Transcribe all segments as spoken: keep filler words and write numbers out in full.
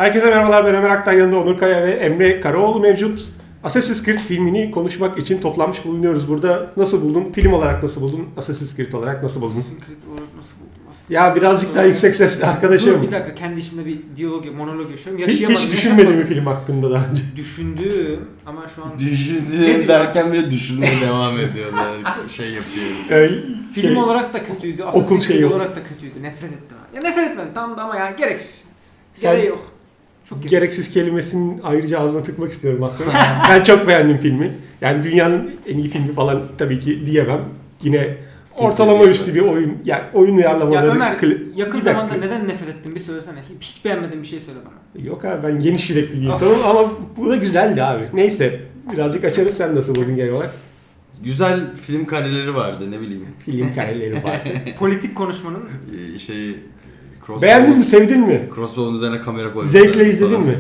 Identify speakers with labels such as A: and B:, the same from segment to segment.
A: Herkese merhabalar, ben Ömer Aktan, yanında Onur Kaya ve Emre Karaoğlu mevcut. Assassin's Creed filmini konuşmak için toplanmış bulunuyoruz burada. Nasıl buldun? Film olarak nasıl buldun? Assassin's Creed olarak nasıl buldun?
B: Assassin's Creed olarak nasıl buldum? Aslında
A: Ya birazcık daha yüksek sesle arkadaşım.
B: Dur bir dakika, kendi içimde bir diyalog, monolog yaşıyorum.
A: Hiç,
B: Yaşayamadım.
A: hiç düşünmedin mi film hakkında daha önce?
B: Düşündüm ama şu an...
C: Düşündüğüm derken bile düşünmeye devam ediyorlar. Şey yapıyor.
A: Ee,
B: Film
A: şey,
B: olarak da kötüydü,
A: okul
B: Assassin's Creed
A: şeyi-
B: olarak da kötüydü. Nefret ettim. Ya nefret etmedim tamam da ama yani gereksiz.
A: Sen-
B: Gereği yok. Çok
A: gereksiz kelimesinin ayrıca ağzına tıkmak istiyorum aslında. Ben çok beğendim filmi. Yani dünyanın en iyi filmi falan tabii ki diyemem. Yine ortalama
C: diyemez.
A: üstü bir oyun. Yani oyun uyarlamaları.
B: Ya Ömer,
A: kli-
B: yakın
A: bir dakika.
B: zamanda neden nefret ettin bir söylesene. Hiç, hiç beğenmediğin bir şey söyle bana.
A: Yok abi, ben geniş yürekli bir insanım ama bu da güzeldi abi. Neyse, birazcık açarız. Sen nasıl buldun genel olarak?
C: Güzel film kareleri vardı, ne bileyim.
A: Film kareleri var.
B: Politik konuşmanın
C: Ee, Şey... Crossbow-
A: Beğendin mi, sevdin mi?
C: Crossbow'un üzerine kamera koydum.
A: Zevkle izledin mi?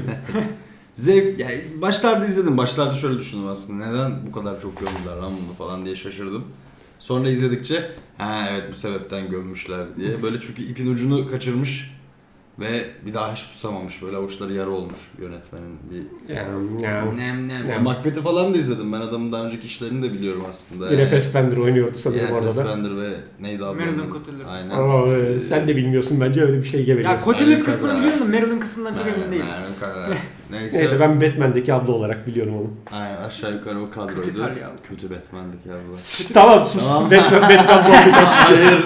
C: Zevk, yani başlarda izledim. Başlarda şöyle düşündüm aslında. Neden bu kadar çok gömdüler lan bunu falan diye şaşırdım. Sonra izledikçe ha evet bu sebepten gömmüşler diye. Böyle çünkü ipin ucunu kaçırmış ve bir daha hiç tutamamış. Böyle avuçları yara olmuş yönetmenin bir...
A: Yani, yani.
C: Nem nem.
A: Nem.
C: Macbeth'i falan da izledim. Ben adamın daha önceki işlerini de biliyorum aslında.
A: Yine
C: Yani.
A: Fassbender oynuyordu sanırım
C: Yine
A: orada da.
C: Fassbender ve neydi abi?
B: Marilyn
C: onun?
B: Cotillard.
C: Aynen.
A: Ama e, sen de bilmiyorsun bence, öyle bir şey
B: Ya
A: geveliyorsun.
B: Cotillard
C: Aynen,
B: kısmını
C: kadar.
B: biliyorum da Marilyn kısmından çok emin değilim.
C: Neyse.
A: Neyse, ben Batman'deki abla olarak biliyorum onu.
C: Aynen aşağı yukarı o kadroydu.
B: Kötü İtalyan.
C: Kötü Batman'deki abla.
A: Tamam sus.
C: Tamam.
A: Batman, Batman muhabbeti.
C: Hayır.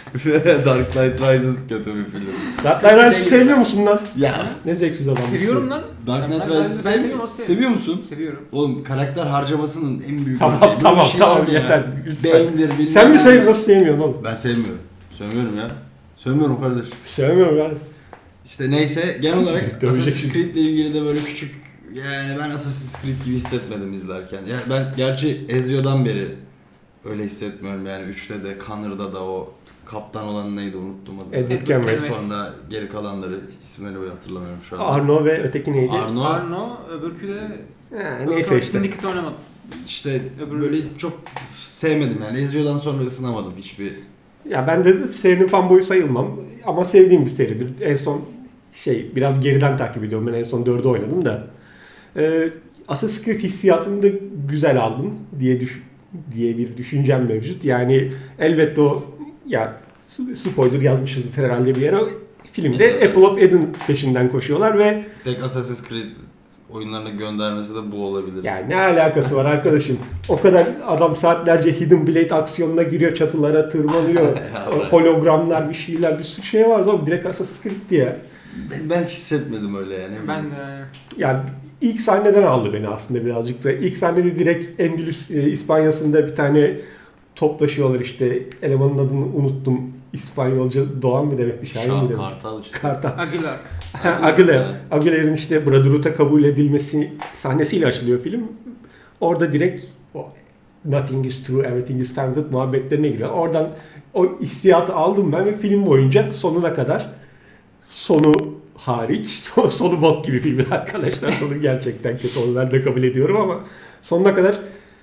C: Dark Knight Rises kötü bir film.
A: Dark Knight Rises'i sevmiyor musun lan?
C: Ya.
A: Ne zevksiz adammışsın.
B: Seviyorum lan.
C: Dark
B: Ben-
C: Knight
B: ben-
C: Rises'i
B: ben
C: sev-
B: seviyorum, o seviyor.
C: seviyor musun?
B: Seviyorum.
C: Oğlum karakter harcamasının en büyük
A: Tamam,
C: örneği. Böyle
A: tamam,
C: bir şey var
A: tamam,
C: mı ya?
A: yeter. Lütfen.
C: Beyindir bilmem
A: Sen mi
C: ne.
A: sev, nasıl sevmiyorsun oğlum?
C: Ben sevmiyorum. Sevmiyorum ya. Sevmiyorum kardeş.
A: Sevmiyorum yani.
C: İşte neyse genel olarak
A: Döveceksin.
C: Assassin's Creed ile ilgili de böyle küçük, yani ben Assassin's Creed gibi hissetmedim izlerken. Yani ben gerçi Ezio'dan beri öyle hissetmiyorum yani üçte de Connor'da da o kaptan olan neydi unuttum adını.
A: Edward Kenway.
C: Sonra geri kalanları isimleri böyle hatırlamıyorum şu an.
A: Arno ve öteki neydi?
C: Arno.
B: Arno, öbürkü de...
A: Ha, neyse işte.
B: Syndicate oynamadım.
C: İşte
B: Öbürü-
C: böyle çok sevmedim yani Ezio'dan sonra ısınamadım hiçbir.
A: Ya ben de serinin fanboyu sayılmam ama sevdiğim bir seridir. En son şey, biraz geriden takip ediyorum. Ben en son dördü oynadım da. Ee, Assassin's Creed hissiyatını da güzel aldım diye düş diye bir düşüncem mevcut. Yani elbette o, ya spoiler yazmışız herhalde bir yere. Filmde
C: Evet.
A: Apple of Eden peşinden koşuyorlar ve
C: Tek Assassin's Creed oyunlarına göndermesi de bu olabilir.
A: yani ne alakası var arkadaşım? O kadar adam saatlerce Hidden Blade aksiyonuna giriyor, çatılara tırmanıyor. Hologramlar, bir şeyler, bir sürü şey var. Oğlum direkt Assassin's Creed'ti ya.
C: Ben, ben hiç hissetmedim öyle yani.
B: Ben de...
A: Yani ilk sahneden aldı beni aslında birazcık da. İlk sahnede direkt Endülüs e, İspanyası'nda bir tane toplaşıyorlar işte. Elemanın adını unuttum. İspanyolca Doğan mı demekti? Şahin mi
C: Şan
A: demekti?
C: Kartal işte.
A: Kartal.
B: Aguilar.
A: Aguilar. Aguilar'ın işte Brotherhood'a kabul edilmesi sahnesiyle açılıyor film. Orada direkt o nothing is true, everything is founded muhabbetlerine giriyor. Oradan o hissiyatı aldım ben ve film boyunca sonuna kadar, sonu hariç, son- sonu bok gibi filmin arkadaşlar. Sonu gerçekten kötü, onu ben de kabul ediyorum ama sonuna kadar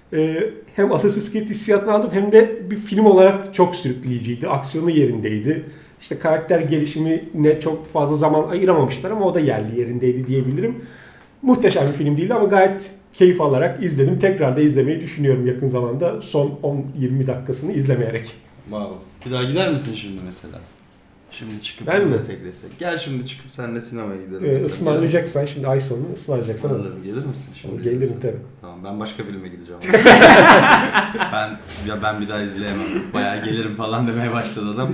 A: e, hem Assassin's Creed hissiyatını aldım hem de bir film olarak çok sürükleyiciydi. Aksiyonu yerindeydi. İşte karakter gelişimine çok fazla zaman ayıramamışlar ama o da yerli yerindeydi diyebilirim. Muhteşem bir film değildi ama gayet keyif alarak izledim. Tekrar da izlemeyi düşünüyorum yakın zamanda. Son on yirmi dakikasını izlemeyerek.
C: Wow. Bir daha gider misin şimdi mesela? Şimdi çıkıp
A: Ben mi?
C: izlesek desek. Gel şimdi çıkıp seninle sinemaya gidelim.
A: Ee,
C: desek.
A: ısmarlayacaksan şimdi ay sonu ısmarlayacaksan olur.
C: Ismarlarım. Gelir misin şimdi?
A: Gelirim
C: izlesek?
A: tabii.
C: Tamam ben başka filme gideceğim. ben ya ben bir daha izleyemem. Bayağı gelirim falan demeye başladı adam.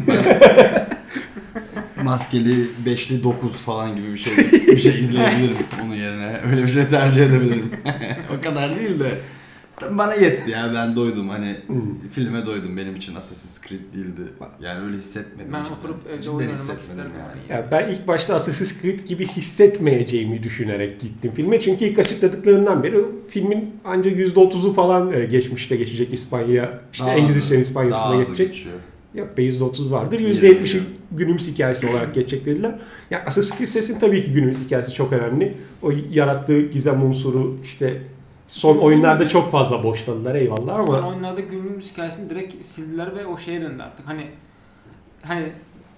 C: Ben maskeli beşli dokuz falan gibi bir şey bir şey izleyebilirim onun yerine. Öyle bir şey tercih edebilirim. O kadar değil de tabii bana yetti ya, ben doydum hani
A: Hmm.
C: filme doydum, benim için Assassin's Creed değildi. Yani öyle hissetmedim.
B: Ben
C: cidden.
B: oturup evde
C: Cidden
B: oyun oynamak
C: hissetmedim
B: isterim
C: yani.
B: yani.
A: Ya ben ilk başta Assassin's Creed gibi hissetmeyeceğimi düşünerek gittim filme. Çünkü ilk açıkladıklarından beri filmin ancak yüzde otuzu falan e, geçmişte geçecek İspanya. İşte
C: Daha
A: Engizisyon
C: hızlı-
A: İspanya'sına
C: daha hızlı
A: geçecek.
C: geçiyor.
A: Yok be, yüzde otuz vardır. yüzde yetmişi günümüz hikayesi olarak geçecek dediler. Ya Assassin's Creed serisinin tabii ki günümüz hikayesi çok önemli. O yarattığı gizem unsuru, işte son oyunlarda çok fazla boşladılar eyvallah ama
B: Son oyunlarda günümüz hikayesini direkt sildiler ve o şeye döndü artık. Hani hani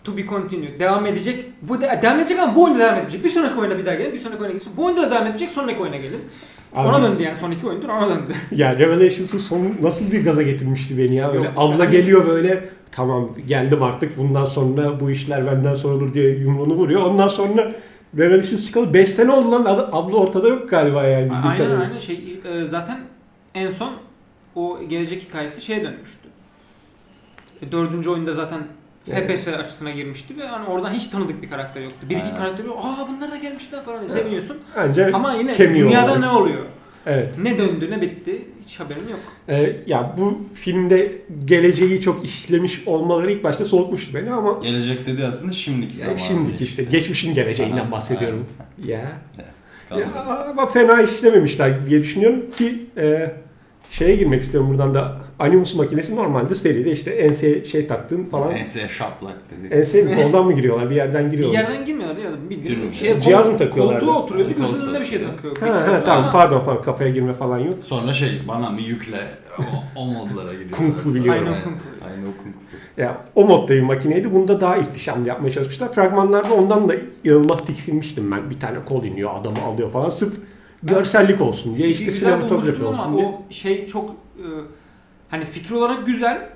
B: to be continued. Devam edecek. Bu de, devam edecek ama bu oyunda devam edecek. Bir sonraki oyuna bir daha gelin, bir sonraki oyuna gelin. Bu oyunda da devam edecek, sonraki oyuna gelin.
A: Abi,
B: ona döndü yani son iki oyundur ona döndü.
A: Ya Revelations'ın sonu nasıl bir gaza getirmişti beni ya. Böyle
B: Yok,
A: abla
B: işte
A: geliyor böyle tamam geldim artık bundan sonra bu işler benden sorulur diye yumruğunu vuruyor. Ondan sonra Revelations çıkalı beş sene oldu lan abla ortada yok galiba yani.
B: Aynen aynen şey e, zaten en son o gelecek hikayesi şeye dönmüştü. E, dördüncü oyunda zaten F P S açısına girmişti ve hani oradan hiç tanıdık bir karakter yoktu. Bir iki karakter yok. Aa bunlar da gelmişler falan diye seviniyorsun.
A: Ancak
B: ama yine dünyada olarak ne oluyor?
A: Evet.
B: Ne döndü ne bitti hiç haberim yok.
A: Ee, ya bu filmde geleceği çok işlemiş olmaları ilk başta soğutmuştu beni ama
C: gelecek dedi aslında şimdiki zaman.
A: Şimdiki işte geçmişin geleceğinden
C: Aha,
A: bahsediyorum. Ya.
C: ya.
A: ya. Ama fena işlememişler diye düşünüyorum ki e, şeye girmek istiyorum buradan da. Animus makinesi normalde seride işte enseye şey taktığın falan.
C: Enseye şaplak dedi.
A: Enseye mi koldan mı giriyorlar? Bir yerden
B: Bir
A: giriyorlar.
B: yerden girmiyorlar ya. Bir
C: Şey,
A: cihaz mı takıyorlar?
B: Koltuğa oturuyordu
C: Koltuğa
B: gözünün önünde bir şey
C: oturuyor.
B: takıyor.
A: Ha, ha, tamam pardon pardon kafaya girme falan yok.
C: Sonra şey bana mı yükle o, o modlara giriyorlar.
A: Kung fu biliyorum.
B: Aynen kung fu.
C: Aynen o kung fu.
A: Ya o modda bir makineydi. Bunda daha ihtişamlı yapmaya çalışmışlar. Fragmanlarda ondan da inanılmaz tiksinmiştim ben. Bir tane kol iniyor, adamı alıyor falan. Sırf görsellik olsun diye işte
B: Güzel
A: sinematografi
B: bulmuştum
A: olsun
B: ama
A: diye.
B: o şey çok e, hani fikir olarak güzel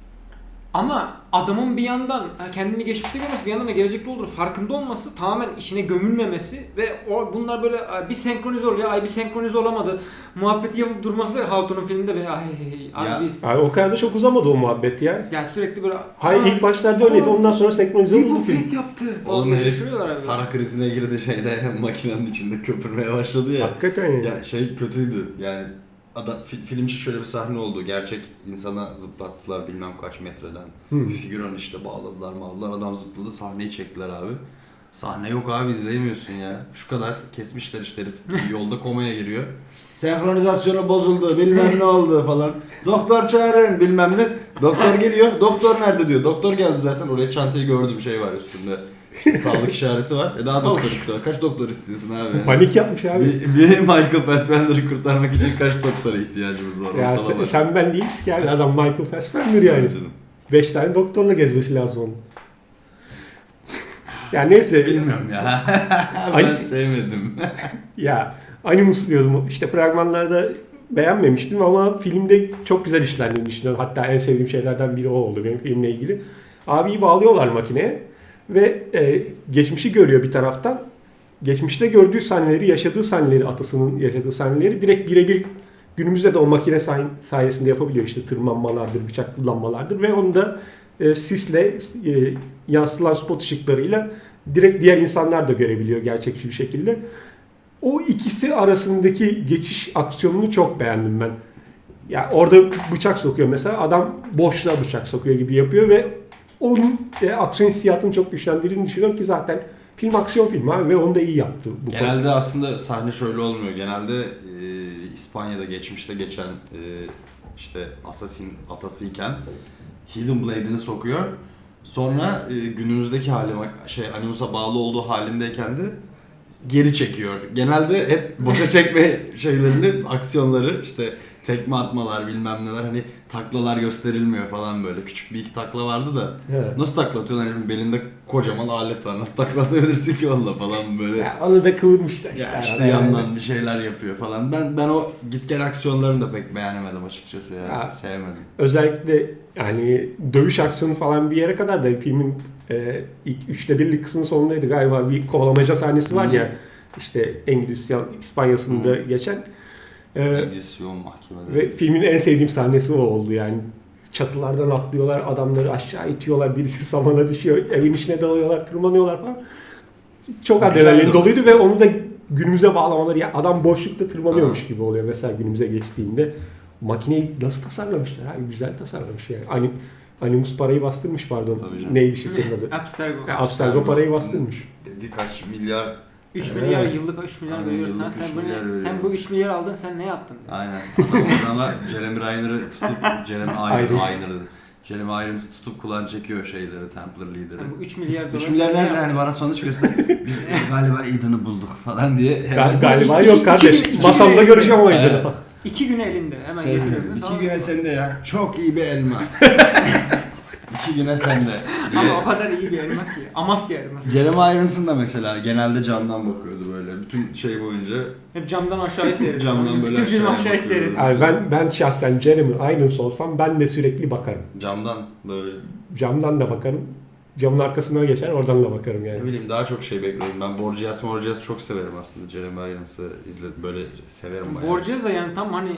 B: ama adamın bir yandan kendini geçmişte görmesi, bir yandan da gelecekte olduğunu farkında olması, tamamen işine gömülmemesi ve o bunlar böyle bir senkronize oluyor, ay bir senkronize olamadı muhabbeti yapıp durması Hawthorne'un filminde beni ay ay
C: Ya.
B: biz
A: Abi o kadar da çok uzamadı o muhabbet ya.
B: yani sürekli böyle
A: Hayır ilk başlarda öyleydi. Ondan sonra senkronize oldu
B: bu
A: film.
B: Fred yaptı.
C: Oğlum
B: Falan
C: herif
B: şaşırıyorlar abi.
C: Sara krizine girdi şeyde makinenin içinde köpürmeye başladı ya.
A: Hakikaten ya.
C: Ya şey kötüydü yani adam, fil, film için şöyle bir sahne oldu. Gerçek insana zıplattılar bilmem kaç metreden.
A: Hmm.
C: Bir figüran işte bağladılar bağladılar adam zıpladı sahneyi çektiler abi. Sahne yok abi izleyemiyorsun ya. Şu kadar kesmişler işte herif yolda komaya giriyor. Senkronizasyonu bozuldu bilmem ne oldu falan. Doktor çağırın bilmem ne. Doktor geliyor. Doktor nerede diyor. Doktor geldi zaten oraya çantayı gördüm şey var üstünde. İşte sağlık işareti var. E daha
A: Sağlık.
C: doktor istiyorlar. Kaç doktor istiyorsun abi? Yani?
A: Panik yapmış abi.
C: Bir, bir Michael Fassbender'ı kurtarmak için kaç doktora ihtiyacımız var?
A: Ya sen, sen ben değiliz ki yani adam Michael Fassbender yani.
C: Canım.
A: Beş tane doktorla gezmesi lazım onun. Ya neyse.
C: Bilmiyorum ya. ben
A: Ay-
C: sevmedim.
A: Ya Animus diyordum. İşte fragmanlarda beğenmemiştim ama filmde çok güzel işlendiğini düşünüyorum. Hatta en sevdiğim şeylerden biri o oldu benim filmle ilgili. Abiyi bağlıyorlar makineye ve e, geçmişi görüyor bir taraftan. Geçmişte gördüğü sahneleri, yaşadığı sahneleri, atasının yaşadığı sahneleri direkt birebir günümüzde de o makine say- sayesinde yapabiliyor. İşte tırmanmalardır, bıçak kullanmalardır ve onu da e, sisle, e, yansıtılan spot ışıklarıyla direkt diğer insanlar da görebiliyor gerçekçi bir şekilde. O ikisi arasındaki geçiş aksiyonunu çok beğendim ben. Ya orada bıçak sokuyor mesela, adam boşluğa bıçak sokuyor gibi yapıyor ve onun e, aksiyon hissiyatını çok güçlendirdiğini düşünüyorum ki zaten film aksiyon filmi abi ve onu da iyi yaptı. Bu
C: Genelde
A: konuda.
C: aslında sahne şöyle olmuyor. Genelde e, İspanya'da geçmişte geçen e, işte Assassin atasıyken Hidden Blade'ini sokuyor. Sonra e, günümüzdeki hali şey Animus'a bağlı olduğu halindeyken de geri çekiyor. Genelde hep boşa çekme şeylerini, aksiyonları işte tekme atmalar bilmem neler hani taklalar gösterilmiyor falan böyle. Küçük bir iki takla vardı da
A: Evet.
C: nasıl takla atıyorlar herifin belinde kocaman alet var. Nasıl takla atabilirsin ki onunla falan böyle.
A: Ya onu da kıvırmışlar işte.
C: Ya işte
A: arada
C: yandan
A: yani.
C: bir şeyler yapıyor falan. Ben ben o git gel aksiyonlarını da pek beğenemedim açıkçası ya.
A: Ya.
C: Sevmedim.
A: Özellikle yani dövüş aksiyonu falan bir yere kadar da filmin e, ilk üçte birlik kısmının sonundaydı galiba, bir kovalamaca sahnesi var
C: Hı.
A: ya işte İngiliz İspanya'sında
C: Hı.
A: geçen. E,
C: Engizisyon mahkemeleri.
A: ve filmin en sevdiğim sahnesi o oldu yani. Çatılardan atlıyorlar, adamları aşağı itiyorlar, birisi samana düşüyor, evin içine dalıyorlar, tırmanıyorlar falan. Çok
C: Güzeldi
A: adrenalin
C: o.
A: doluydu ve onu da günümüze bağlamaları, ya adam boşlukta tırmanıyormuş gibi oluyor mesela günümüze geçtiğinde. Makineyi nasıl tasarlamışlar abi, güzel tasarlamış yani. Anim, Animus parayı bastırmış pardon.
C: Tabii canım.
A: Neydi şirketin adı?
B: Abstergo.
A: Ya, Abstergo parayı bastırmış.
C: Dedi kaç milyar.
B: üç
A: Evet.
B: milyar yıllık üç milyar
C: Aynen,
B: veriyorsun.
C: yıllık
B: Sen
C: üç
B: bu
C: milyar
B: ne?
C: veriyor.
B: Sen bu üç milyar aldın, sen ne yaptın?
C: Aynen. Adam adama Jeremy Reiner'ı tutup Jeremy Irons.
A: Irons.
C: Reiner dedi. Jeremy Irons'ı tutup kulağını çekiyor şeyleri Templar lideri.
B: Sen bu üç milyar dolar.
C: üç milyar
B: sen ne
C: nerede
B: yaptın?
C: hani bana sonuç göster. Biz galiba Aiden'ı bulduk falan diye.
A: Gal- galiba
B: iki-
A: yok
B: iki
A: kardeş.
B: güne- iki
A: Masamda
B: güne-
A: göreceğim o aydını.
C: Evet.
B: İki güne elinde. Hemen
C: Şey,
B: getiriyorum.
C: iki
B: Tamam.
C: güne sende ya. Çok iyi bir elma. İki güne sende.
B: Ama o kadar iyi bir elma ki. Amasya elması.
C: Jeremy Irons'ın da mesela genelde camdan bakıyordu böyle. Bütün şey boyunca
B: Hep camdan aşağıya seyrediyor.
C: Camdan böyle
B: Bütün film
C: aşağıya
B: aşağıya
C: bakıyor.
B: seyrediyor.
A: Yani ben ben şahsen Jeremy Irons olsam ben de sürekli bakarım.
C: camdan böyle
A: Camdan da bakarım. Camın arkasına geçer oradan da bakarım yani.
C: ne bileyim daha çok şey bekliyorum. Ben Borgias Morgias çok severim aslında. Jeremy Irons'ı izledim böyle severim bayağı.
B: Borges da yani tam hani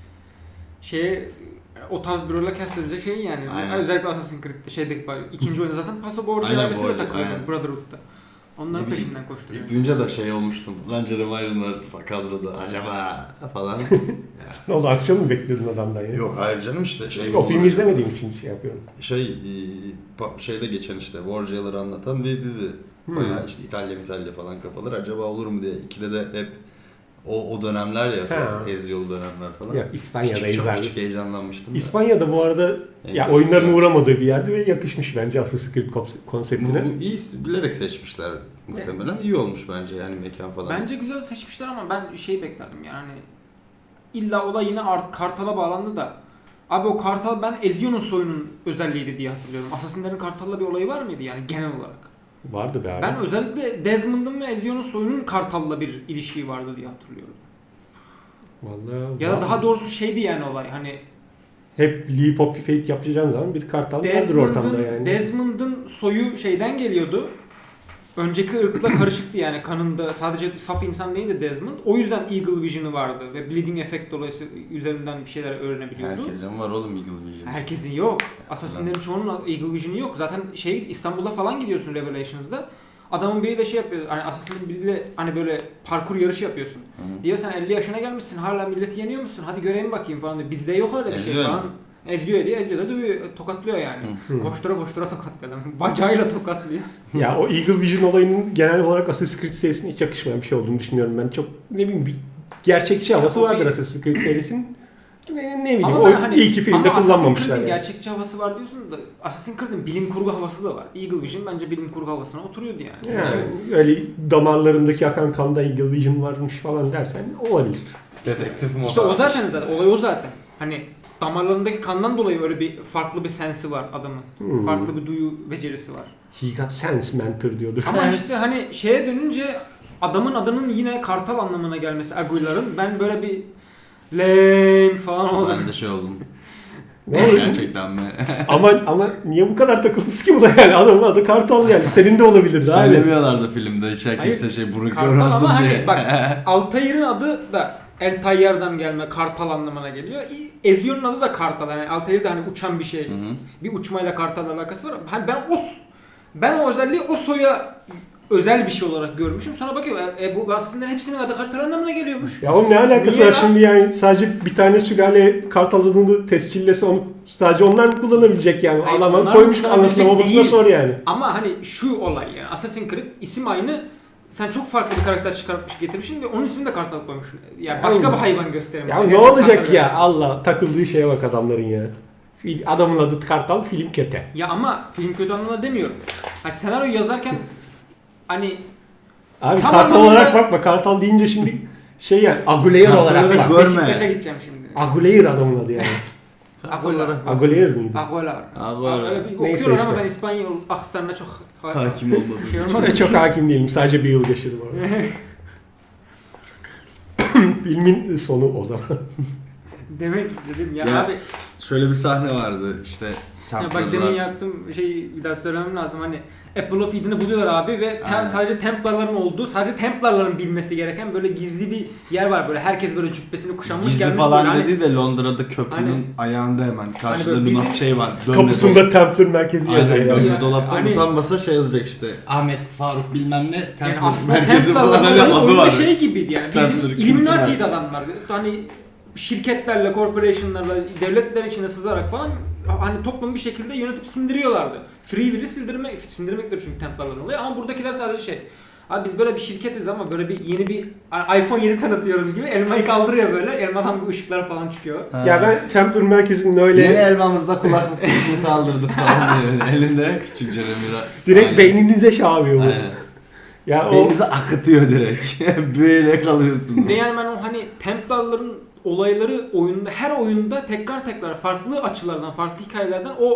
B: şeye o tarz bir role cast edilecek şey yani.
C: Aynen.
B: Özellikle Assassin's Creed'de şeydeki ikinci oyunda zaten Paso Borgia
C: Aynen,
B: ailesiyle
C: Borgia,
B: takılıyor
C: aynen.
B: Brotherhood'da. Onların
C: Ne bileyim,
B: peşinden koşturuyor.
C: İlk duyunca da şey olmuştum. Lan Jeremy Irons var kadroda acaba falan.
A: Ne oldu akşam mı bekliyordun adamdan ya?
C: Yok hayır canım işte şey.
A: O filmi izlemediğim için şey yapıyorum.
C: Şey e, pa- şeyde geçen işte Borgia'ları anlatan bir dizi.
A: Hmm.
C: Bayağı işte İtalya İtalya falan kafalar acaba olur mu diye. İkide de hep o o dönemler ya
A: Ha.
C: Eziyolu dönemler falan.
A: Ya İspanya'da
C: Küçük, çok
A: izlerdim.
C: küçük heyecanlanmıştım. da.
A: İspanya'da bu arada
C: En
A: ya
C: güzel.
A: oyunların uğramadığı bir yerde ve yakışmış bence Assassin's Creed kons-
C: Bu,
A: konseptine.
C: bu iyi bilerek seçmişler muhtemelen. İyi olmuş bence yani mekan falan.
B: Bence güzel seçmişler ama ben şey beklerdim yani. İlla olay yine art, Kartal'a bağlandı da. Abi o Kartal ben Ezio'nun soyunun özelliğiydi diye hatırlıyorum. Assassin'lerin Kartal'la bir olayı var mıydı yani genel olarak?
A: Vardı be abi.
B: Ben özellikle Desmond'ın ve Ezio'nun soyunun Kartal'la bir ilişiği vardı diye hatırlıyorum.
A: Vallahi
B: Ya da
A: var.
B: daha doğrusu şeydi yani olay hani
A: Hep Leap of Faith yapacağın zaman bir kartal vardır ortamda
B: Desmond'ın
A: yani.
B: Desmond'ın soyu şeyden geliyordu. Önceki ırkla karışıktı yani kanında sadece saf insan değildi Desmond. O yüzden Eagle Vision'ı vardı ve Bleeding Effect dolayısıyla üzerinden bir şeyler öğrenebiliyordu.
C: Herkesin var oğlum Eagle Vision.
B: Herkesin yok. Assassin'lerin çoğunun Eagle Vision'ı yok. Zaten şey İstanbul'a falan gidiyorsun Revelations'da. Adamın biri de şey yapıyor. Hani Assassin'in biriyle hani böyle parkur yarışı yapıyorsun.
C: Hı.
B: Diyor sen elli yaşına gelmişsin hala milleti yeniyor musun? Hadi göreyim bakayım falan diyor. Bizde yok öyle bir şey
C: Eziyor
B: falan.
C: mu?
B: Eziyor diye eziyor da dövüyor, tokatlıyor yani.
A: Hı.
B: Koştura koştura tokatlıyor. Bacağıyla tokatlıyor.
A: Ya o Eagle Vision olayının genel olarak Assassin's Creed serisine hiç yakışmayan bir şey olduğunu düşünüyorum ben. Çok ne bileyim bir gerçekçi havası
B: o
A: vardır
B: bir-
A: Assassin's Creed serisinin. Ne, ne bileyim
B: Ama
A: o
B: ben hani,
A: iyi ki filmde
B: ama
A: kullanmamışlar
B: Assassin's Creed'in
A: yani.
B: gerçekçi havası var diyorsun da Assassin's Creed'in bilim kurgu havası da var. Eagle Vision bence bilim kurgu havasına oturuyordu yani.
A: Yani
B: Çünkü
A: öyle damarlarındaki akan kanda Eagle Vision varmış falan dersen olabilir.
C: Dedektif mi
B: İşte o zaten zaten olay o zaten. Hani damarlarındaki kandan dolayı öyle bir farklı bir sensi var adamın.
A: Hmm.
B: Farklı bir duyu becerisi var.
A: He got sense mentor diyordur.
B: Ama
A: Sense.
B: işte hani şeye dönünce adamın adının yine kartal anlamına gelmesi Aguilar'ın ben böyle bir lame falan oldum.
C: Ben de şey oldum.
A: Ne oldu?
C: Gerçekten mi?
A: ama ama niye bu kadar takıldınız ki bu da yani adamın adı Kartal yani senin de olabilirdi abi.
C: Söylemiyorlardı filmde hiç
B: Hayır,
C: kimse şey burun
B: Kartal
C: kırmasın
B: ama
C: diye.
B: hani bak Altair'in adı da El Tayyar'dan gelme kartal anlamına geliyor. Ezio'nun adı da kartal yani Altair de hani uçan bir şey.
C: Hı hı.
B: Bir uçmayla kartalla alakası var. Hani ben o ben o özelliği o soya özel bir şey olarak görmüşüm. Sonra bakıyorum e, e, bu aslında hepsinin adı kartal anlamına geliyormuş.
A: Ya onun ne alakası
B: Niye
A: var
B: lan?
A: şimdi yani sadece bir tane sülale Kartal adını tescillese onu sadece onlar mı kullanabilecek yani?
B: Hayır,
A: Adamın
B: onlar
A: koymuş
B: kullanabilecek
A: anasına babasına
B: değil.
A: sor yani.
B: Ama hani şu olay yani Assassin's Creed isim aynı. Sen çok farklı bir karakter çıkartmış getirmişsin ve onun ismini de kartal koymuşsun. Yani
A: Ya
B: başka
A: oğlum.
B: bir hayvan gösterim.
A: Ya
B: Yani
A: ne
B: gerçek
A: olacak
B: kartal
A: ya
B: yani.
A: Allah takıldığı şeye bak adamların ya. Fil- Adamın adı Kartal film kötü.
B: Ya ama film kötü anlamda demiyorum. Hani senaryo yazarken hani
A: Abi
B: Tam
A: Kartal
B: anlamıyla-
A: olarak bakma Kartal deyince şimdi şey yani Aguilar
C: Kartal
A: olarak.
C: olarak-
A: bak.
C: Görme.
B: Beşiktaş'a gideceğim şimdi.
A: Aguilar adamın adı yani.
B: Aguilar.
A: Aguilar mıydı?
B: Aguilar.
C: Aguilar.
B: Öyle bir
A: Neyse
B: okuyorum ama
A: işte.
B: ben İspanyol aksanına çok
C: Hakim olmadım.
B: şey olmadı.
A: Oraya çok hakim değilim. Sadece bir yıl geçirdim orada. Filmin sonu o zaman.
B: Demek istedim ya,
C: Ya,
B: abi.
C: Şöyle bir sahne vardı işte
B: Ya bak
C: Templar'lar.
B: demin yaptığım şeyi bir daha söylemem lazım. Hani Apple of Eden'ı buluyorlar abi ve tem-
C: Aynen.
B: sadece Templar'ların olduğu, sadece Templar'ların bilmesi gereken böyle gizli bir yer var böyle. Herkes böyle cübbesini kuşanmış
C: Gizli
B: gelmiş
C: falan
B: böyle. Hani-
C: dedi de Londra'da köprünün
B: Hani-
C: ayağında hemen karşıda
B: böyle
C: Luna
B: bizim-
C: şey var. Dönme
A: Kapısında Templar merkezi
C: Aynen
A: yazıyor. yani.
C: dönme
B: Ya,
C: dolapta
B: hani-
C: utanmasa şey yazacak işte. Ahmet Faruk bilmem ne
B: Yani
C: Templar
B: aslında
C: merkezi falan
B: Templar'ların
C: öyle
B: olayı
C: adı
B: oyunda
C: var.
B: şey gibiydi yani.
C: Templar
B: Bildiğin
C: kültü
B: Illuminati'ydi
C: var.
B: adamlar. Hani şirketlerle, corporation'larla, devletler içine sızarak falan hani toplumu bir şekilde yönetip sindiriyorlardı. Free will'i sindirmek, sindirmektir çünkü Templar'ların olayı ama buradakiler sadece şey. Abi biz böyle bir şirketiz ama böyle bir yeni bir iPhone yedi tanıtıyoruz gibi elmayı kaldırıyor böyle. Elmadan bir ışıklar falan çıkıyor.
A: Ya ben Templar merkezinin öyle
C: Yeni elmamızda kulaklık dişini kaldırdık falan diyor. Elinde küçük Jeremy.
A: direkt
C: Aynen.
A: beyninize şey yapıyor bu.
C: Aynen.
A: Ya o
C: Beyninizi akıtıyor direkt. Böyle kalıyorsun.
B: Ve yani ben o hani Templar'ların olayları oyunda her oyunda tekrar tekrar farklı açılardan, farklı hikayelerden o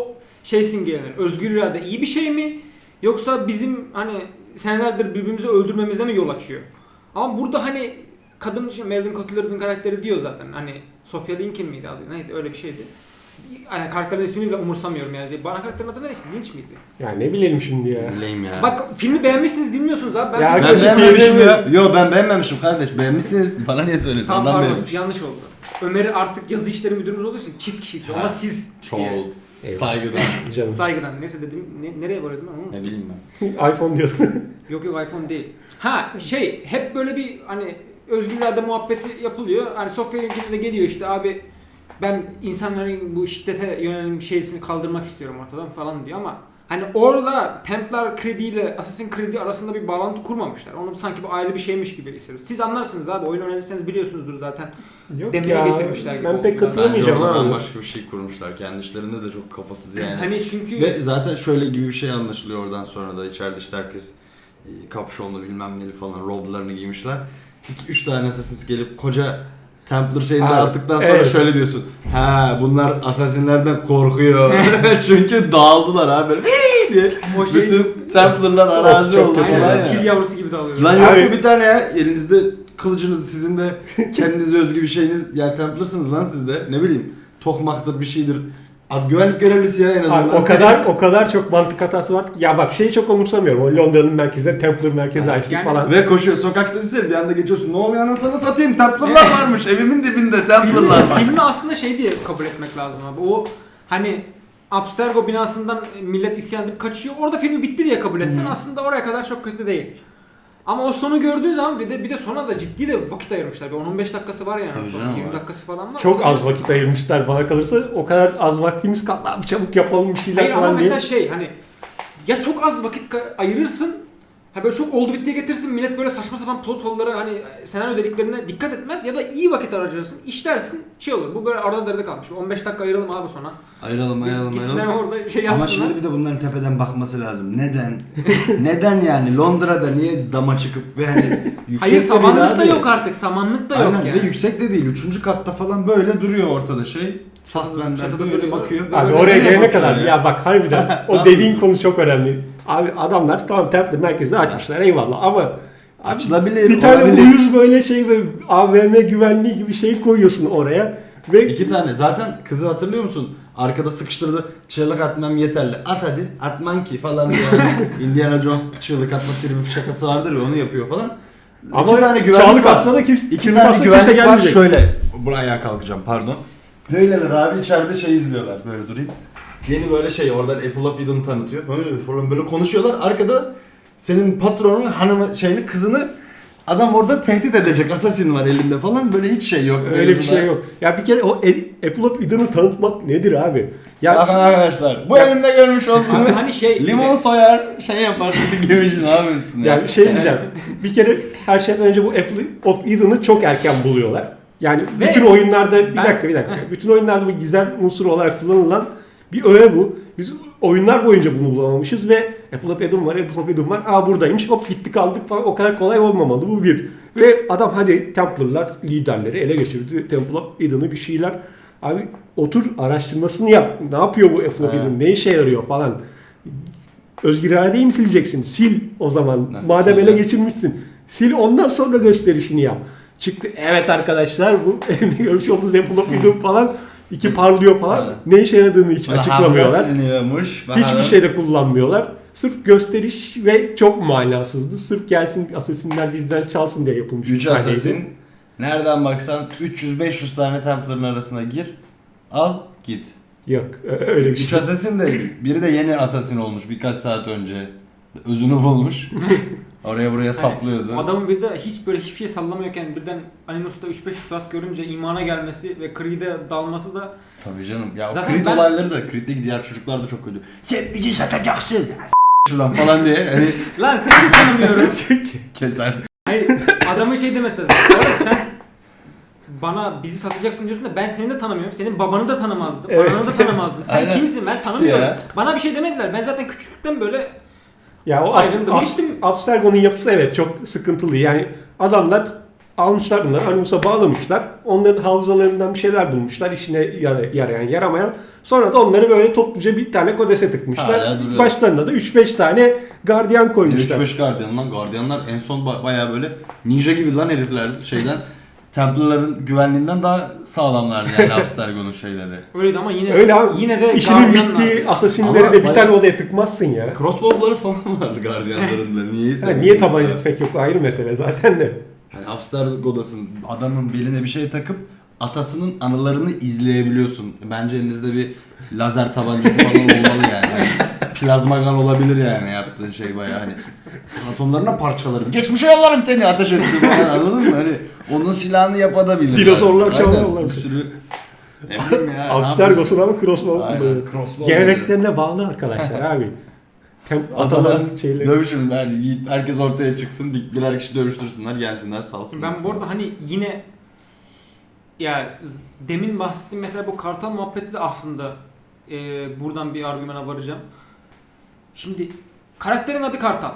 B: şey simgelenir. Özgür irade iyi bir şey mi? Yoksa bizim hani senelerdir birbirimizi öldürmemize mi yol açıyor? Ama burada hani kadın, Meredith Cotillard'ın karakteri diyor zaten. Hani Sofia Lincoln miydi adı? Neydi? Öyle bir şeydi. Yani karakterin ismini bile umursamıyorum yani. Bana karakterin adı neydi? Lynch miydi?
A: Ya ne bilelim şimdi ya.
C: Bileyim ya.
B: Bak filmi beğenmişsiniz bilmiyorsunuz abi. Ben,
A: Ya
B: filmi-
C: ben
A: Arkadaşım
C: beğenmemişim ya.
A: filmi-
C: Yo ben beğenmemişim kardeş. Beğenmişsiniz. Bana niye söylüyorsun?
B: Tamam
C: Adam
B: pardon
C: beğenmiş.
B: yanlış oldu. Ömer'i artık yazı işleri müdürümüz olduğu için çift kişilikli
C: Ha,
B: ama siz
C: Çoğul.
A: Eyvallah.
C: Saygıdan.
A: Canım.
B: saygıdan neyse dedim ne, nereye varıyordum ben onu?
C: Ne bileyim ben.
A: iPhone diyorsun.
B: Yok yok iPhone değil. Ha şey hep böyle bir hani özgür irade muhabbeti yapılıyor. Hani Sofya Lincoln de geliyor işte abi ben insanların bu şiddete yönelim şeysini kaldırmak istiyorum ortadan falan diyor ama hani orada Templar Creed ile Assassin's Creed arasında bir bağlantı kurmamışlar. Onu sanki bu ayrı bir şeymiş gibi hissediyoruz. Siz anlarsınız abi oyun oynadıysanız biliyorsunuzdur zaten.
A: Yok
B: Demeye
A: ya.
B: getirmişler gibi
A: Ben
B: oldu
A: pek
B: biraz.
C: Bence
A: katılamayacağım
C: orada
A: abi.
C: bambaşka bir şey kurmuşlar. Kendi işlerinde de çok kafasız yani.
B: Hani çünkü
C: Ve zaten şöyle gibi bir şey anlaşılıyor oradan sonra da. İçeride işte herkes e, kapşonlu bilmem neli falan roblarını giymişler. İki üç tane Assassin's gelip koca Templar şeyini
A: Abi,
C: dağıttıktan sonra
A: evet.
C: şöyle diyorsun. Ha bunlar Assassin'lerden korkuyor. Çünkü dağıldılar abi böyle "Hii!" diye.
B: o şey
C: Bütün Templar'lar arazi
A: Çok
C: oldu
A: kötü.
C: falan
B: aynen
C: ya.
B: çil yavrusu gibi dağılıyor.
C: Lan yok
A: Abi-
C: mu bir tane ya elinizde kılıcınız sizin de kendinize özgü bir şeyiniz ya Templarsınız lan siz de ne bileyim tokmaktır bir şeydir. Abi güvenlik görevlisi ya en azından.
A: Abi o kadar o kadar çok mantık hatası var ki. Ya bak şeyi çok umursamıyorum. O Londra'nın merkezine Templar merkezi açtık
B: Yani-
A: falan.
C: Ve koşuyor sokakta düşsene bir anda geçiyorsun ne oluyor anasını satayım Templar'lar varmış evimin dibinde Templar'lar var.
B: Filmi aslında şey diye kabul etmek lazım abi. O hani Abstergo binasından millet isyan edip kaçıyor. Orada filmi bitti diye kabul etsen aslında oraya kadar çok kötü değil. Ama o sonu gördüğün zaman bir de bir de sona da ciddi de vakit ayırmışlar. Bir on on beş dakikası var yani.
C: Tabii
B: Sonra
C: canım
B: yirmi
C: var.
B: dakikası falan var.
A: Çok az vakit ayırmışlar bana kalırsa. O kadar az vaktimiz kaldı. Abi çabuk yapalım bir şeyler
B: Hayır ama
A: falan diye.
B: mesela şey hani ya çok az vakit ka- ayırırsın. Ha böyle çok oldu bittiye getirsin millet böyle saçma sapan plot hole'lara hani senaryo dediklerine dikkat etmez ya da iyi vakit harcarsın işlersin şey olur bu böyle arada derede kalmış on beş dakika ayıralım abi sonra.
C: Ayıralım ayıralım
B: Gitsinler
C: ayıralım.
B: orada şey yapsınlar.
C: Ama şimdi bir de bunların tepeden bakması lazım. Neden? Neden yani? Londra'da niye dama çıkıp ve hani yüksek
B: Hayır
C: de değil
B: samanlık da
C: abi.
B: yok artık samanlık da yok
C: Aynen
B: yani.
C: ve yüksek de değil. Üçüncü katta falan böyle duruyor ortada şey. Fassbender
B: Çatıda
C: böyle
B: duruyor.
C: bakıyor.
A: Abi
B: Böyle
A: oraya
C: nereye
A: gelene
C: bakıyor
A: kadar
C: ya?
A: ya? bak harbiden o dediğin konu çok önemli. Abi adamlar tamam Templar merkezini açmışlar eyvallah ama abi
C: Açılabilir,
A: bir tane
C: olabilir.
A: uyuz böyle şey böyle A V M güvenliği gibi şey koyuyorsun oraya ve
C: İki tane. Zaten kızı hatırlıyor musun? Arkada sıkıştırdı. Çığlık atmam yeterli. At hadi. Atman ki falan diye. Indiana Jones çığlık atma tribi şakası vardır ya onu yapıyor falan.
A: ama
C: iki tane güvenlik
A: çağlık
C: var.
A: atsa da kimse,
C: İki
A: çığlık
C: tane
A: atsa kimse
C: güvenlik var
A: gelmeyecek.
C: şöyle. Buraya kalkacağım pardon. Böyleler abi içeride şey izliyorlar böyle durayım. Yeni böyle şey oradan Apple of Eden tanıtıyor. Böyle falan böyle konuşuyorlar. Arkada senin patronun hanımı şeyini kızını adam orada tehdit edecek. Assassin var elinde falan. Böyle hiç şey yok.
A: Öyle bir şey yok. Ya bir kere o Ed- Apple of Eden'ı tanıtmak nedir abi? Ya
C: Bakın arkadaşlar bu elimde görmüş
B: Abi
C: olduğunuz
B: hani şey
C: limon soyar şey yapar gibi bir şey ne yapıyorsun ya?
A: yani şey diyeceğim. Bir kere her şeyden önce bu Apple of Eden'ı çok erken buluyorlar. Yani
B: Ve
A: bütün oyunlarda bir
B: ben-
A: dakika bir dakika. Bütün oyunlarda bu gizem unsuru olarak kullanılan bir öğe bu. Biz oyunlar boyunca bunu bulamamışız ve Apple of Eden var, Apple of Eden var. Aa buradaymış. Hop gitti kaldık falan. O kadar kolay olmamalı bu bir. Ve adam hadi Templar'lar liderleri ele geçirdi. Temple of Eden'ı bir şeyler. Abi otur araştırmasını yap. Ne yapıyor bu Apple of
C: Evet.
A: Eden? Ne işe yarıyor falan. Özgür iradeyi mi sileceksin? Sil o zaman.
C: Nasıl
A: Madem ele
C: sileceğim?
A: geçirmişsin. Sil ondan sonra gösterişini yap. Çıktı. Evet arkadaşlar bu elimde görmüş olduğunuz Apple of Eden falan iki parlıyor falan.
C: Evet.
A: Ne işe yaradığını hiç
C: Bana
A: açıklamıyorlar.
C: hafıza siliniyormuş.
A: Hiçbir
C: Bakalım.
A: şeyde kullanmıyorlar. Sırf gösteriş ve çok manasızdı. Sırf gelsin Assassin'ler bizden çalsın diye yapılmış.
C: Üç
A: bir sahneydi.
C: Assassin. Nereden baksan üç yüz beş yüz tane Templar'ın arasına gir. Al git.
A: Yok öyle bir
C: Üç
A: şey.
C: Assassin de biri de yeni Assassin olmuş birkaç saat önce. Özünü bulmuş. Oraya buraya saplıyordu.
B: adamın bir de hiç böyle hiçbir şey sallamıyorken birden Animus'ta üç beş saat görünce imana gelmesi ve Creed'e dalması da
C: Tabii canım. Ya o
B: Zaten
C: Creed
B: ben-
C: olayları da Creed'deki diğer çocuklar da çok kötü. Sen bizi satacaksın. S- şuradan falan diye hani
B: lan seni de tanımıyorum.
C: kesersin.
B: Hayır adamın şey demesi lazım. Oğlum sen bana bizi satacaksın diyorsun da ben seni de tanımıyorum. Senin babanı da tanımazdım.
A: Evet.
B: Ananı da tanımazdım. Sen
C: Aynen.
B: kimsin ben
C: Kimsin
B: tanımıyorum.
C: ya?
B: Bana bir şey demediler. Ben zaten küçüklükten böyle
A: Ya o
B: Ayrıldım,
A: Ab-
B: bittim.
A: Abstergo'nun yapısı evet çok sıkıntılı. Yani adamlar almışlar bunları Animus'a bağlamışlar. Onların hafızalarından bir şeyler bulmuşlar. İşine yara- yarayan yaramayan. Sonra da onları böyle topluca bir tane kodese tıkmışlar.
C: Hala duruyor.
A: Başlarına da üç beş tane gardiyan koymuşlar.
C: üç beş gardiyan lan. Gardiyanlar en son ba- bayağı böyle ninja gibi lan herifler şeyden. Templar'ların güvenliğinden daha sağlamlardı yani Abstergo'nun şeyleri.
B: Öyleydi ama yine
A: Öyle abi.
B: yine de
A: İşinin
B: gardiyanlar.
A: bittiği asasinleri
C: Ama
A: de bir
C: bayağı-
A: tane odaya tıkmazsın ya.
C: Crossbow'ları falan vardı gardiyanların da. Niyeyse.
A: Ha, niye tabanca tüfek yok ayrı mesele zaten de.
C: Hani Abstergo'dasın. Adamın beline bir şey takıp atasının anılarını izleyebiliyorsun. Bence elinizde bir lazer tabancası falan olmalı yani. Plazma gun olabilir yani yaptığın şey bayağı hani. Atomlarına parçalarım. Geçmişe yollarım seni ateş etsin falan anladın mı? Hani onun silahını yapabilir.
A: Dinozorlar
C: Aynen,
A: çalarlar.
C: Bir sürü ne bileyim ya.
A: Abstergo'sun ama crossbow
C: Aynen,
A: kullanıyor.
C: crossbow
A: Geleneklerine bağlı arkadaşlar abi. Tem
C: O zaman
A: ataların şeyleri.
C: dövüşün ben herkes ortaya çıksın bir, birer kişi dövüştürsünler gelsinler salsınlar.
B: Ben bu arada hani yine ya demin bahsettiğim mesela bu kartal muhabbeti de aslında e, buradan bir argümana varacağım. Şimdi karakterin adı Kartal.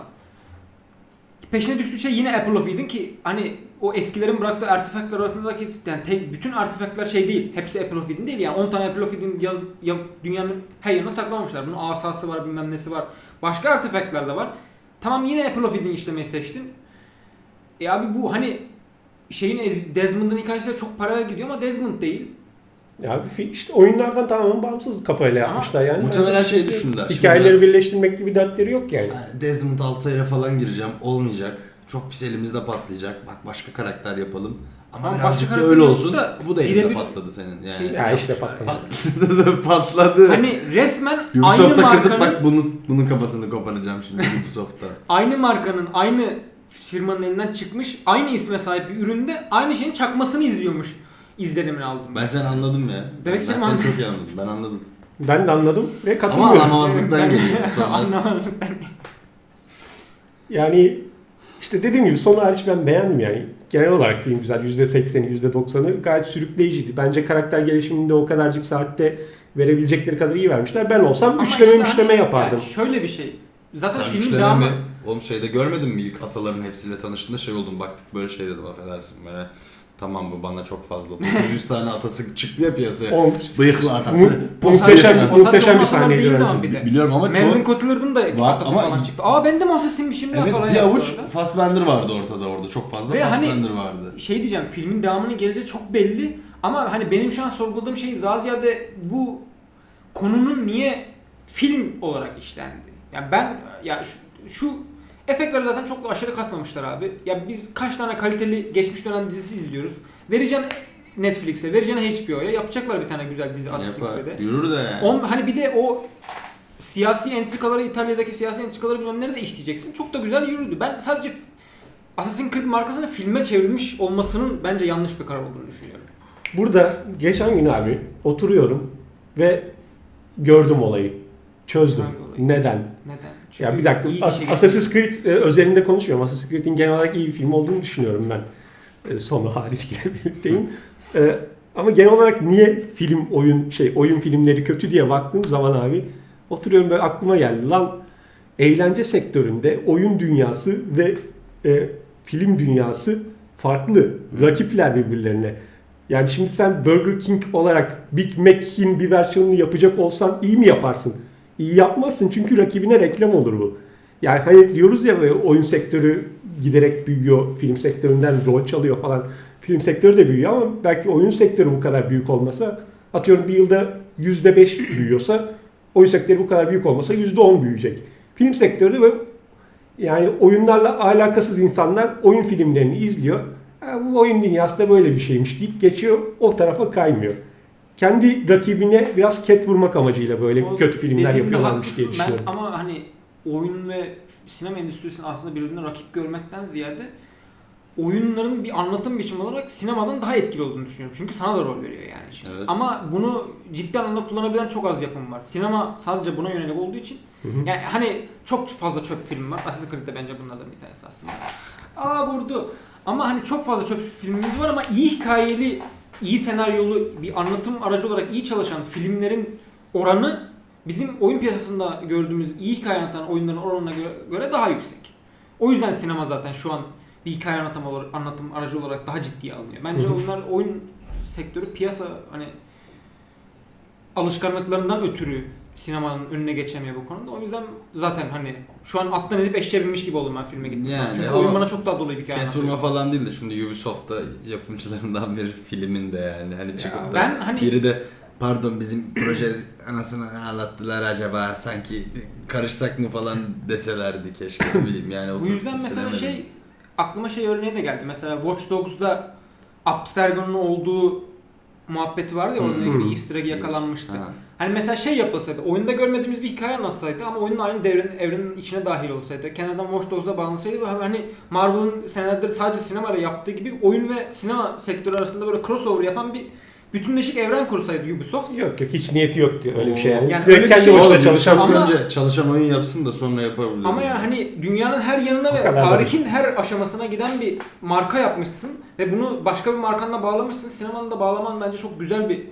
B: Peşine düştüğü şey yine Apple of Eden ki hani o eskilerin bıraktığı artefaktlar arasındaki yani tek, bütün artefaktlar şey değil. Hepsi Apple of Eden değil yani on tane Apple of Eden yaz, ya, dünyanın her yerine saklamamışlar. Bunun asası var bilmem nesi var. Başka artefaktlar da var. Tamam yine Apple of Eden işlemeyi seçtin. E abi bu hani şeyin Desmond'ın hikayesiyle çok paralel gidiyor ama Desmond değil.
A: Ya bir fi- işte oyunlardan tamamen bağımsız kafayla
B: Ama
A: yapmışlar yani.
C: muhtemelen şey düşündüler.
A: Hikayeleri
C: Şimdi
A: birleştirmek gibi dertleri yok yani.
C: ben Desmond Altay'a falan gireceğim. Olmayacak. Çok pis elimizde patlayacak. Bak başka karakter yapalım. Ama,
B: Ama
C: birazcık
B: başka
C: da
B: karakter
C: öyle
B: yapıp
C: olsun.
B: da
C: Bu da elimde
B: birebir
C: patladı senin. Yani.
B: şeysi
A: Ya işte
B: yapmışlar
A: patladı.
B: yani.
C: patladı.
B: Hani resmen aynı
C: Ubisoft'a kızıp
B: markanın
C: bak bunu, bunun kafasını koparacağım şimdi Ubisoft'ta.
B: aynı markanın aynı firmanın elinden çıkmış aynı isme sahip bir üründe aynı şeyin çakmasını izliyormuş izlenimini aldım.
C: Ben seni anladım ya.
B: Demek
C: ben
B: istediğimi
C: seni
B: anladım.
C: çok iyi anladım. Ben anladım.
A: Ben de anladım ve
C: Ama
A: katılıyorum.
C: anlamazlıktan
B: Ben-
C: geliyor. Sonra
B: Anlamazlıktan.
A: Yani işte dediğim gibi son hariç ben beğendim yani. Genel olarak film güzel. yüzde sekseni, yüzde doksanı gayet sürükleyiciydi. Bence karakter gelişiminde o kadarcık saatte verebilecekleri kadar iyi vermişler. Ben olsam
B: Ama
A: üçleme
B: işte
A: üçleme
B: hani-
A: yapardım.
B: yani şöyle bir şey. Zaten
C: sen
B: filmin
C: üçleme
B: devamı
C: mi? Oğlum şeyde görmedin mi ilk ataların hepsiyle tanıştığında şey oldum baktık böyle şey dedim affedersin böyle. Tamam bu bana çok fazla. dokuz yüz tane atası çıktı ya piyasaya.
A: O
C: Bıyıklı atası.
A: Mu- muhteşem,
C: Bıyıklı.
B: o
A: muhteşem bir
B: zaten o
A: sahneydi
B: değildi
A: bence.
B: ama bir de.
C: Biliyorum ama
B: Marilyn
C: çok...
B: Cotillard'ın da
C: Var
B: atası
C: ama-
B: falan çıktı. Aa ben de mahsusiymişim ya
C: Evet
B: falan
C: bir
B: yaptı
C: avuç
B: orada.
C: Fassbender vardı ortada orada. Çok fazla
B: Ve hani-
C: Fassbender vardı.
B: Şey diyeceğim filmin devamının geleceği çok belli ama hani benim şu an sorguladığım şey daha ziyade bu konunun niye film olarak işlendi. Yani ben ya şu, şu efektleri zaten çok da aşırı kasmamışlar abi. Ya biz kaç tane kaliteli geçmiş dönem dizisi izliyoruz. Vereceğin Netflix'e, vereceğin H B O'ya yapacaklar bir tane güzel dizi Assassin's
C: Yapar.
B: Creed'e.
C: Yürür de yani.
B: On, hani bir de o siyasi entrikaları, İtalya'daki siyasi entrikaları bilmemleri de işleyeceksin. Çok da güzel yürüdü. Ben sadece Assassin's Creed markasının filme çevrilmiş olmasının bence yanlış bir karar olduğunu düşünüyorum.
A: Burada geçen gün abi oturuyorum ve gördüm olayı. Çözdüm.
B: Hangi olayı?
A: Neden?
B: Neden? Çünkü
A: Ya bir dakika.
B: iyi
A: As-
B: işe gidiyor.
A: Assassin's Creed e, özelinde konuşmuyorum. Assassin's Creed'in genel olarak iyi bir film olduğunu düşünüyorum ben. E, sonu hariç birlikteyim. E, ama genel olarak niye film oyun şey oyun filmleri kötü diye baktığım zaman abi oturuyorum böyle aklıma geldi. Lan eğlence sektöründe oyun dünyası ve e, film dünyası farklı. Rakipler birbirlerine. Yani şimdi sen Burger King olarak Big Mac'in bir versiyonunu yapacak olsan iyi mi yaparsın? İyi yapmazsın çünkü rakibine reklam olur bu. Yani hani diyoruz ya böyle oyun sektörü giderek büyüyor, film sektöründen rol çalıyor falan. Film sektörü de büyüyor ama belki oyun sektörü bu kadar büyük olmasa, atıyorum bir yılda yüzde beş büyüyorsa, oyun sektörü bu kadar büyük olmasa yüzde on büyüyecek. Film sektörü de böyle yani oyunlarla alakasız insanlar oyun filmlerini izliyor. Ha, bu oyun dünyası da böyle bir şeymiş deyip geçiyor, o tarafa kaymıyor. Kendi rakibine biraz ket vurmak amacıyla böyle
B: O
A: kötü filmler
B: dediğinde
A: yapıyorlarmış diye
B: haklısın. Ben
A: düşünüyorum.
B: ama hani oyun ve sinema endüstrisinin aslında birbirine rakip görmekten ziyade oyunların bir anlatım biçimi olarak sinemadan daha etkili olduğunu düşünüyorum. Çünkü sana da rol veriyor yani. Şimdi.
C: Evet.
B: Ama bunu ciddi anlamda kullanabilen çok az yapım var. Sinema sadece buna yönelik olduğu için
A: Hı hı.
B: yani hani çok fazla çöp film var. Assassin's Creed de bence bunlardan bir tanesi aslında. Aa vurdu. Ama hani çok fazla çöp filmimiz var ama iyi hikayeli, iyi senaryolu bir anlatım aracı olarak iyi çalışan filmlerin oranı bizim oyun piyasasında gördüğümüz iyi hikaye anlatan oyunların oranına göre, göre daha yüksek. O yüzden sinema zaten şu an bir hikaye anlatım, olarak, anlatım aracı olarak daha ciddiye alınıyor. Bence
A: Hı hı.
B: onlar oyun sektörü piyasa hani alışkanlıklarından ötürü sinemanın önüne geçemiyor bu konuda. O yüzden zaten hani şu an attan edip eşeğe binmiş gibi oldum ben filme gittiğim
C: Yani
B: zaman. Çünkü
C: ama
B: oyun bana çok daha dolu bir hikaye
C: Catwoman
B: anlatıyor.
C: falan değil de şimdi Ubisoft'ta yapımcılarından biri filmin de yani hani çıkıp da
B: ben hani-
C: biri de pardon bizim proje anasını ağlattılar acaba sanki karışsak mı falan deselerdi keşke ne bileyim yani.
B: Bu
C: oturup
B: yüzden mesela
C: izlemedim.
B: şey aklıma şey örneği de geldi. Mesela Watch Dogs'da Abstergo'nun olduğu muhabbeti vardı ya, orada
C: Hmm.
B: bir easter egg yakalanmıştı.
C: Ha.
B: Hani mesela şey yapılsaydı, oyunda görmediğimiz bir hikaye anlatsaydı ama oyunun aynı devrenin, evrenin içine dahil olsaydı, kenardan Watch Dogs'a bağlansaydı ve hani Marvel'ın senelerdir sadece sinemayla yaptığı gibi oyun ve sinema sektörü arasında böyle crossover yapan bir bütünleşik evren kursaydı Ubisoft.
A: Yok yok hiç niyeti yok diyor öyle bir şey yani.
B: Yani
A: Direkt
B: öyle bir
A: kendi
B: şey
A: başına
B: olabilir.
A: çalışan
B: Ama-
C: önce çalışan oyun yapsın da sonra yapabilir.
B: Ama yani hani dünyanın her yanına ve
A: O kadar
B: tarihin her aşamasına giden bir marka yapmışsın ve bunu başka bir markanla bağlamışsın. Sinemanın da bağlaman bence çok güzel bir,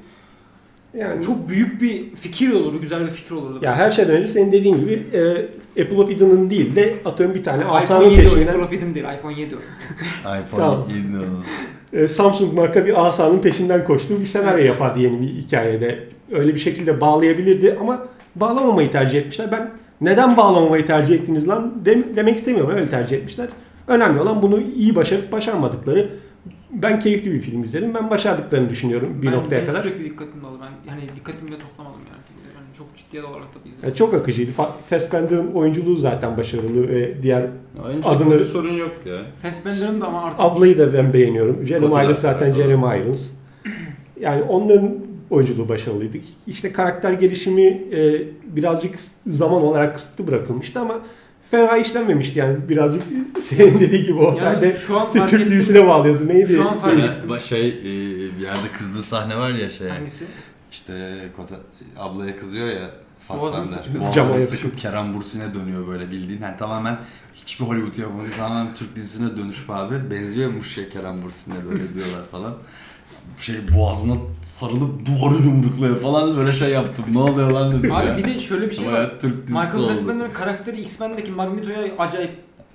A: yani
B: çok büyük bir fikir olurdu, güzel bir fikir olurdu.
A: ya her şeyden önce senin dediğin gibi e, Apple of Eden'ın değil de atıyorum bir tane
B: iPhone
A: asanın
B: yedi o,
A: peşinden
B: Profit'in değil, iPhone yedi o.
C: iPhone
A: Tamam.
C: yedi
A: e, Samsung marka bir asanın peşinden koştuğu bir senaryo yapardı yeni bir hikayede. Öyle bir şekilde bağlayabilirdi ama bağlamamayı tercih etmişler. Ben neden bağlamamayı tercih ettiniz lan dem- demek istemiyorum. Öyle tercih etmişler. Önemli olan bunu iyi başarıp başarmadıkları. Ben keyifli bir film izledim. Ben başardıklarını düşünüyorum bir
B: ben,
A: noktaya
B: benim
A: kadar.
B: sürekli dikkatimde oldu. Ben yani dikkatimi de toplamadım yani filmde. Yani çok ciddiye olarak da bir izledim.
A: Yani çok akıcıydı. Fa- Fassbender'ın oyunculuğu zaten başarılı ve diğer
C: Oyuncu
A: Adını-
C: bir sorun yok ya.
B: Fassbender'ın da ama artık
A: ablayı da ben beğeniyorum. Jeremy
C: Kotilas
A: Irons zaten
C: var,
A: Jeremy Irons. Yani onların oyunculuğu başarılıydı. İşte karakter gelişimi e, birazcık zaman olarak kısıtlı bırakılmıştı ama fena işlenmemişti yani birazcık senin dediği gibi olsaydı
B: yani şu an fark
A: Türk
B: ettim.
A: dizisine bağlıyordu. Neydi?
B: Şu an fark
C: Ya,
B: ettim.
C: ba- şey e, bir yerde kızdığı sahne var ya şey.
B: Hangisi?
C: İşte Kota, ablaya kızıyor ya
B: Boğazını
C: Fassbender.
B: sıkıyor.
A: Cama
C: Boğazını
A: yapışıp.
C: sıkıp Kerem Bürsin'e dönüyor böyle bildiğin. Yani tamamen hiçbir Hollywood yapımı tamamen Türk dizisine dönüşüp abi. Benziyormuş şey Kerem Bürsin'e böyle diyorlar falan. Şey boğazına sarılıp duvarı yumrukluyor falan böyle şey yaptım. Ne oluyor lan dedim ya.
B: Abi bir de şöyle bir şey var.
C: Bayağı Türk dizisi
B: Michael
C: oldu.
B: Fassbender'ın karakteri X-Men'deki Magneto'ya acayip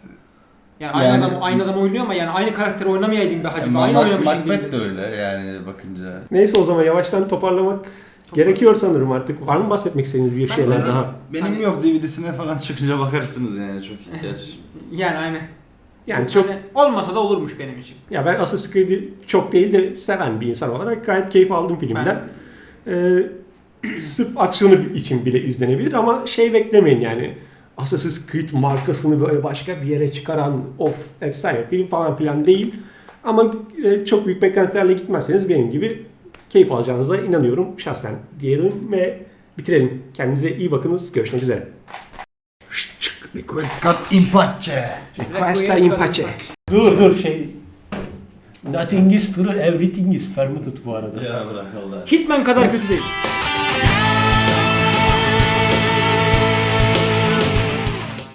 B: yani aynı
C: Yani-
B: adam aynı adam oynuyor ama yani aynı karakteri oynamayaydım be hacı.
C: Yani
B: aynı
C: Mac-
B: oynamışım gibi.
C: Macbeth de öyle yani bakınca.
A: Neyse o zaman yavaştan toparlamak
B: Çok
A: gerekiyor sanırım artık. Var mı bahsetmek istediğiniz bir
B: Ben-
A: şeyler
B: ben-
A: daha?
C: Benim
B: Hani-
C: yok D V D'sine falan çıkınca bakarsınız yani çok ihtiyaç.
B: Yani aynen.
A: Yani çok
B: Hani olmasa da olurmuş benim için.
A: ya ben Assassin's Creed'i çok değil de seven bir insan olarak gayet keyif aldım filmden. Ee, sırf aksiyonu için bile izlenebilir ama şey beklemeyin yani Assassin's Creed markasını böyle başka bir yere çıkaran of efsane film falan filan değil. Ama e, çok büyük beklentilerle gitmezseniz benim gibi keyif alacağınıza inanıyorum şahsen diyelim ve bitirelim. Kendinize iyi bakınız. Görüşmek üzere.
C: Requiescat in pace.
A: Requesta in pace. Dur dur şey. Nothing is true, everything is permitted bu arada.
C: Ya bırak Allah.
B: Hitman kadar kötü değil.